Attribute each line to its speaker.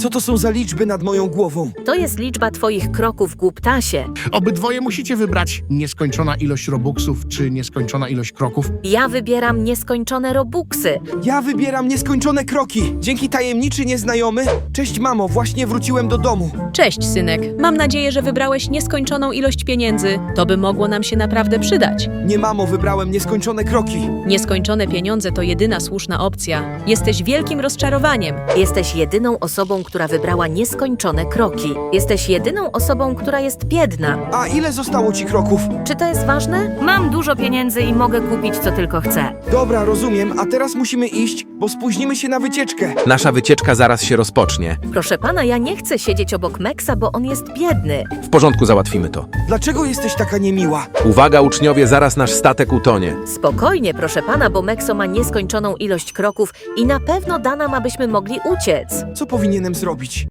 Speaker 1: Co to są za liczby nad moją głową?
Speaker 2: To jest liczba twoich kroków, głuptasie.
Speaker 3: Obydwoje musicie wybrać nieskończona ilość robuxów czy nieskończona ilość kroków.
Speaker 2: Ja wybieram nieskończone robuxy.
Speaker 1: Ja wybieram nieskończone kroki. Dzięki tajemniczy nieznajomy. Cześć mamo, właśnie wróciłem do domu.
Speaker 4: Cześć, synek. Mam nadzieję, że wybrałeś nieskończoną ilość pieniędzy. To by mogło nam się naprawdę przydać.
Speaker 1: Nie mamo, wybrałem nieskończone kroki.
Speaker 4: Nieskończone pieniądze to jedyna słuszna opcja. Jesteś wielkim rozczarowaniem.
Speaker 2: Jesteś jedyną osobą, która wybrała nieskończone kroki. Jesteś jedyną osobą, która jest biedna.
Speaker 1: A ile zostało ci kroków?
Speaker 2: Czy to jest ważne? Mam dużo pieniędzy i mogę kupić, co tylko chcę.
Speaker 1: Dobra, rozumiem, a teraz musimy iść, bo spóźnimy się na wycieczkę.
Speaker 5: Nasza wycieczka zaraz się rozpocznie.
Speaker 2: Proszę pana, ja nie chcę siedzieć obok Meksa, bo on jest biedny.
Speaker 5: W porządku, załatwimy to.
Speaker 1: Dlaczego jesteś taka niemiła?
Speaker 5: Uwaga, uczniowie, zaraz nasz statek utonie.
Speaker 2: Spokojnie, proszę pana, bo Mekso ma nieskończoną ilość kroków i na pewno da nam, abyśmy mogli uciec.
Speaker 1: Co powinienem zrobić?